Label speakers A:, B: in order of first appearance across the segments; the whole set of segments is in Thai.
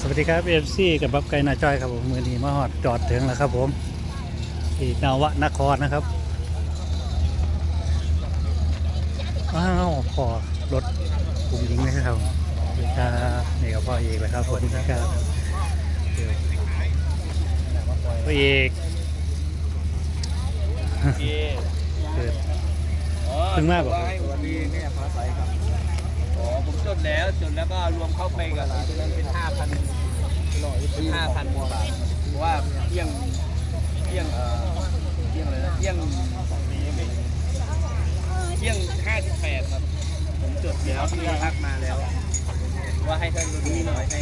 A: สวัสดีครับFCกับบับไก่นาจ้อยครับผมมือนี้มาฮอดจอดถึงแล้วครับผมที่นวนครนะครับอ้าวพอรถกลุ่มหญิงนะครับนี่ครับนี่กับพ่อเอกเลยครับผมครับพ่อเอกเกิดถึงมากกว่า
B: วันนี้เนี่ยฟ้าใสครับอ๋อผมจดแล้วก็รวมเข้าไปกับตรงนั้นเป็น 5,000 เป็น 5,000 กว่าบาทเพราะว่าเที่ยงอะไรนะเที่ยง58ครับผมจดแล้วที่พักมาแล้วว่าให้ท่านรุ่นน้อยให้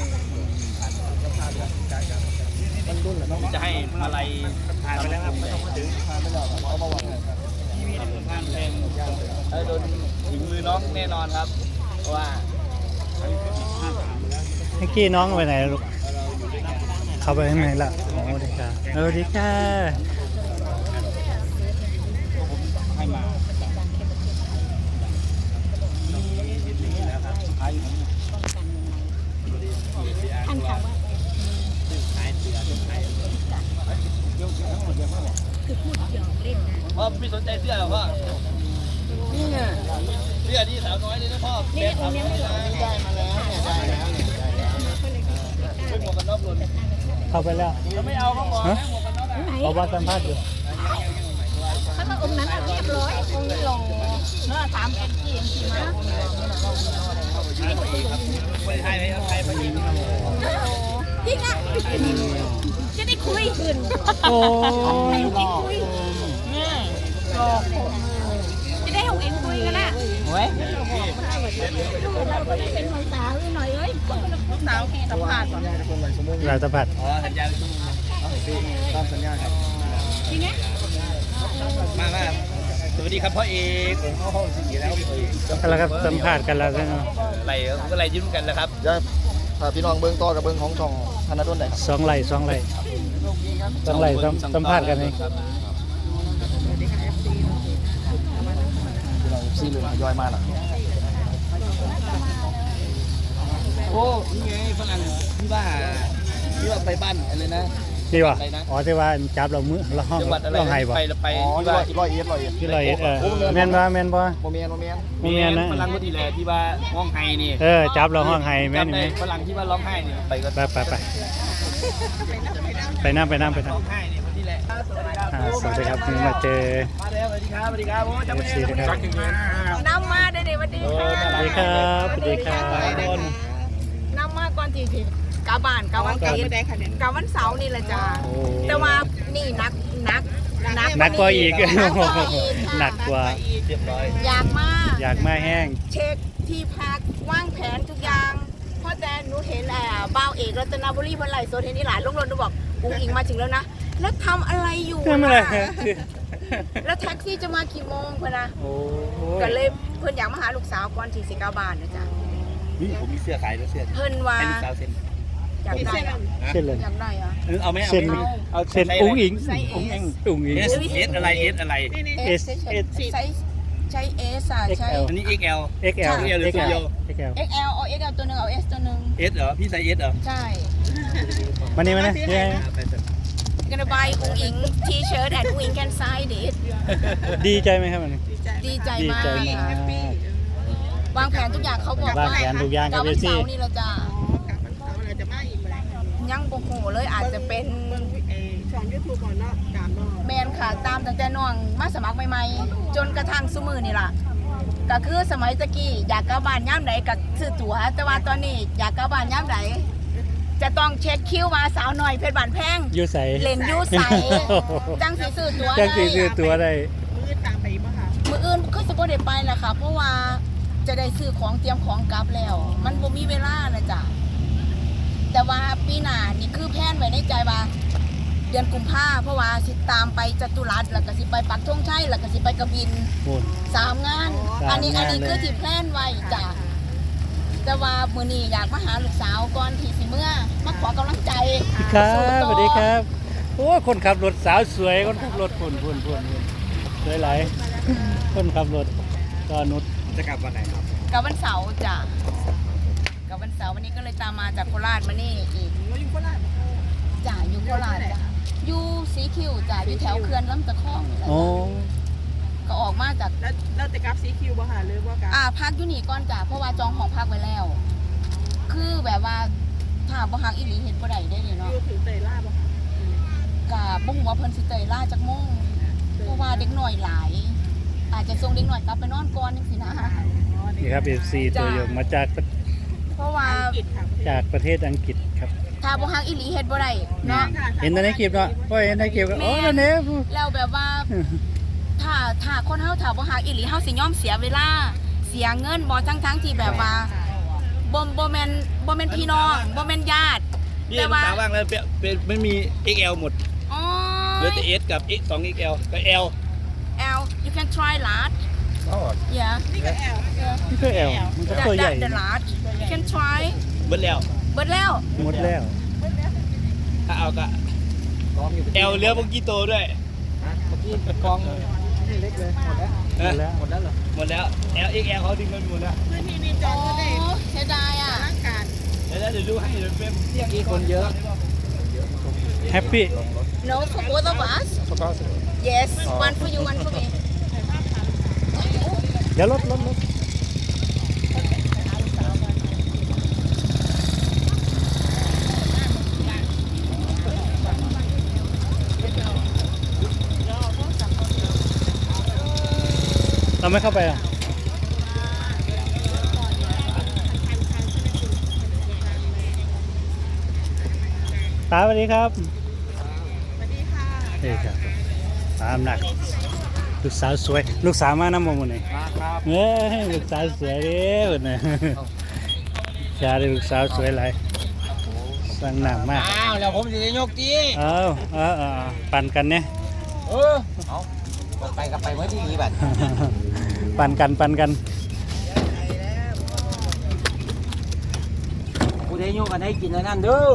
B: มันรุ่นเหรอจะให้อะไรทานไปแล้วครับถึงทานไปแล้วเอามาวันที่มีทานแพงโดนถึงมือน้องแน่นอนครับเพราะว่า
A: เมื่อกี้น้องไปไหนลูกเข้าไปข้างในละโอ้ดีค่ะดีค่ะ
B: ให้มา
C: ท่านค่ะว่าคือพูดหยอกเล่นนะ
B: พ่อไม่สนใจเสื้อหรอพ่อนี่ไงเสื้อที่สาวน้อยเลยนะพ่อ
C: นี่องค์นี้ไม่หลอก
B: ได้มาแล้วได้แล้วเป็นหมวกกันน็อกหล่น
A: เข้าไปแล้ว
B: ไม่เอาเขาบอกนะหมวกกันน็อก
C: ไหน
A: เอาว่าสัมภาษณ์อยู่
C: ถ้าก็องค์นั้นเรียบร้อยองค์นี้หล่อเนื้อถามเอ็นจีมา
B: คนไทยไหมครับไทยพยิง
C: จริงอ่ะจะได้คุยขึ้น
A: โอ้
C: ให้องค์เอ็งคุยจะได้องค์เอ็งคุยกันนะ
B: โอ้ย
C: เราก็ได้เป็นภาษาหน่อยเอ้ยสาวสัมภาษณ์
A: เราสัมผัส
B: อ๋อสัญญาชั่วโมงตามสัญญาครับ
C: จริงไหม
B: มาสวัสดีครับพ่อเอกผมเข้าห้องสิ่งนี้แล้ว
A: แล้วก็สัมผัสกันแล้วใช่ไหม
B: ไหลก็ไหลยิ้มกันแล้วครับ
D: เดี๋ยวถ้าพี่น้องเบิ้งต่อกับเบิ้งของช่องธนาดลได้ครับ
A: สองไหลสัมผัสกันไหม
D: พี่น้องซีเหลืองทยอยมาล่ะ
B: โอ้นี่ไงฝรั่งที่ว่าไปบ้านอะไรนะ
A: นี่วะอ๋อที่ว่าจับเรามือเราห้อง
B: จังหวัดอะไร
A: เราให้บ่
B: ไป
D: อ๋อ
B: ที่ว่า
D: ร้อยเอ็ด
A: ที่เราแม่นบ่แม่นบ่
D: โมเมน
A: บ่แม่นนะ
B: ฝรั่งก็ดีแหละที่ว่าร้องไห้นี่
A: จับเราห้องให้แม่น
B: จำ
A: ไหม
B: ได้ฝรั่งที่ว่าร้องไห้นี่ไปก็
A: ไปน้ำ
B: ร้องไห้นี่คนที่แหละ
A: สวัสดีครับนี่มาเจอ
B: มาแล้วสวัสดีครับโอ้จำไม่ได้
A: สวัสดีครับ
C: น้ำมาได้เลยวันดีค่ะ
A: สวัสดีครับสวัสดีครับ
C: น้ำมาก่อนที่กาบานกาวันเกิดกาวันเสาร์นี่แหละจ้า
A: โอ้
C: แต่ว่านี่นัก
A: หนักกว่าอีก
C: หนักกว่าอีก
A: หนักกว่า
B: เรียบร้อย
C: อยากมาก
A: อยากมาแห้ง
C: เช็คที่พักวางแผนทุกอย่างเพราะแต่หนูเห็นบ้าวเอกรัตนบุรีเพิ่นไลฟ์สดเห็นนี่หลานลงรถหนูบอกอุ้งอิงมาถึงแล้วนะแล้วทำอะไรอยู่
A: ทำอะไร
C: แล้วแท็กซี่จะมากี่โมงเพิ่นนะ
A: โอ้
C: ก็เลยเพิ่นอยากมาหาลูกสาวก่อนที่สิกาบานนะจ๊ะ
B: นี่ผมมีเสื้อขายด้วยเสื้อ
C: เพิ่นว่า
B: ให้ลูกสาวเซ็น
C: อยากได้อะ
A: เส้นเลย
C: อยากได้อะ
B: เอาไหม
A: เส้น
B: เอา
A: เส้นอุ้งอิง
C: ไซส์
A: อุ้ง
C: S
A: อิง
B: เอสอะไร
C: S ใช้ S อ่ะใช้
A: XL
B: อันนี้ XL
A: XL
B: XL หรือ
A: XL
C: XL เอา XL ตัวหนึงเอา S ตัวหนึง
B: S เหรอพี่ใส่ S เหรอ
C: ใช่
A: มานี่มานี่นี่
C: gonna buy อุ้งอิง T-shirt and อุ้งอิง can sign it
A: ดีใจไหมครับมัน
C: ดีใจ
A: ดี
C: มาก
A: ใจมาก
C: วางแผนทุกอย่างเขาบอก
A: วาง
C: ว่า
A: แผนทุกอย่างครับ
C: วัน
A: พี่
C: เสาร์นี่เราจะยังโอ้โหเลยอาจจะเป็นแมนค่ะตามตั้งแต่น้องมาสมัครใหม่ๆจนกระทั่งซุมือนี่ล่ะก็คือสมัยตะกี้อยากกลับบ้านย่ามไหนก็ซื้อตั๋วแต่ว่าตอนนี้อยากกลับบ้านย่ามไหนจะต้องเช็คคิวมาสาวหน่อยเพชรบานแพง
A: ยูใส
C: เล่นยูใสจังสีซื้อตั๋ว
A: จังสีซื้อตัวได้
C: มืออื่นก็สมบูรณ์ไปแหละค่ะเพราะว่าจะได้ซื้อของเตรียมของกลับแล้ว มันบ่มีเวลานะจ๊ะแต่ว่าปีหน้านี่คือแผนไว้ในใจว่าเดือนกุมภาเพราะว่าสิตามไปจตุรัสแล้วก็สิไปปักธงชัยแล้วก็สิไปกระบิน
A: โอ้ย
C: 3 งาน
A: 3
C: อันนี้
A: งานเลย
C: คือที่แพลนไว้จ้ะแต่ว่ามื้อนี้อยากมาหาลูกสาวก่อนที่สิเมื่อมาขอกำลังใจ
A: ครับสวัสดีครับโอ้คนขับรถสาวสวยคนขับรถพุ่นสวยหลายคนขับรถก็นุช
B: จะกลับวันไหนครับ
C: กับวันเสาร์จ้ะกับวันเสสาววันนี้ก็เลยตามมาจากโคราชมานี่อีก
E: เราอยู่โคราช
C: จ่าอยู่โคราชจ้ะอยู่สีคิวจ่าอยู่แถวเขื่อนลำตะคองนี่แหละ
A: โอ้
C: ก็ออกมาจาก
E: แล้วเราจะกลับซีคิวบ่ค่ะหรือว่ากลับ
C: พักอยู่นี่ก่อนจ้ะเพราะว่าจองห้องพักไว้แล้ว คือแบบว่าถ้าบ่ฮักอีหลีเฮ็ดบ่ได้ได้เลย
E: อ
C: เนาะ
E: ยู่ถึงเตยล่าบ่ค่ะ
C: กะบ่ฮู้ว่าเพิ่นสิเตยล่าจักโมงเพราะว่าเด็กน้อยหลาย อาจจะส่งเด็กน้อยกลับไปนอนก่อนจังซี่นะ
A: นี่ครับ FC ตัวยงมาจาก
C: เพราะว่า
E: อังกฤษค่ะ
A: จากประเทศอังกฤษครับ
C: ถ้าบ่ฮักอีหลีเฮ็ดบ่ได้เนาะ
A: เห็นในคลิปเนาะก็เห็นในคลิปก็โอ้นั่นเอง
C: แล้วแบบว่าถ้าคนเฮาถ้าบ่ฮักอีหลีเฮาสิยอมเสียเวลาเสียเงินบ่ทั้งที่แบบว่าบ่แม่นพี่น้องบ่แม่นญาติ
B: นี่
C: แต่
B: ภา
C: ว่า
B: ษาว่างแล้วเป็นไม่มี XL หมด
C: อ๋อ
B: เหลือแต่ S กับ 2XL กับ L
C: L you can try large yeah
E: นี่ก็แอล
A: นี่ก็แอลมันก็ตัวใหญ่
C: the large you can try
B: เบิดแล้ว
C: เบิดแล้ว
A: หมดแล้ว
B: ถ้าเอาก็ L เหลือเมื่อกี้โตด้วย
D: กองนี่เล็กเลยหมดแล้ว
A: หมดแล้ว
B: หมดแล้ว L XL เขาดึงกันหมดแล้ว
E: พื้นที่มีจอ
C: โอ้
E: งก็ได้
C: เสียดายอ่ะ
E: ร่างการ
B: เดี๋ยวดูให้เดี๋ยวเป็นเที่ยง
D: ที่คนเยอะ
A: แฮปปี้
C: no for both of us yes one for you one for me
A: เดี๋ยวรถเราไม่เข้าไปอ่ะตาสวัสดีครับ
E: สวัสดีค่ะ
A: เฮ้ยครับตามหนักลูกสาวสวยลูกสาวมาน้ำมันนี่
D: มาครับ
A: เอ้ยลูกสาวสวยเด้อเนี่ยชาได้ลูกสาวสวยหลายสั่งหนามาก
D: อ้าวแล้วผมจะยกจี
A: เอาปั่นกันเนี่ย
D: เอาไปกับไปเมื่อที่นี้บัด
A: ปั่นกัน
D: กูได้ยกกันให้กินแล้วนั่นเด้อ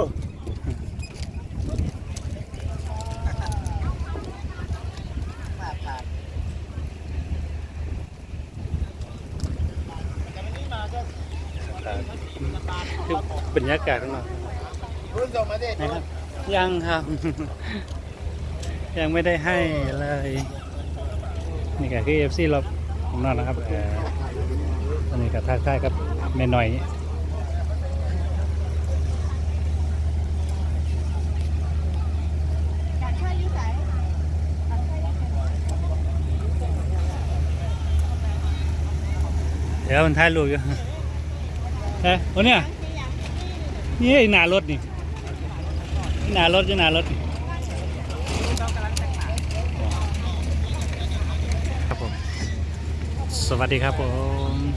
A: คือบรรยากาศข้างนอก
D: รุ่นส่งมาดิ
A: นะครับยังครับ ยังไม่ได้ให้เลยนี่ก็คือ FC เราของนอกนะครับอันนี้ก็ทักทายกับแม่หน่อยเดี๋ยวมันถ่ายรูปอยู่เฮ้ยโอ้เนี่ยนี่หน้ารถนี่หน้ารถอยู่หน้ารถครับผมสวัสดีครับผม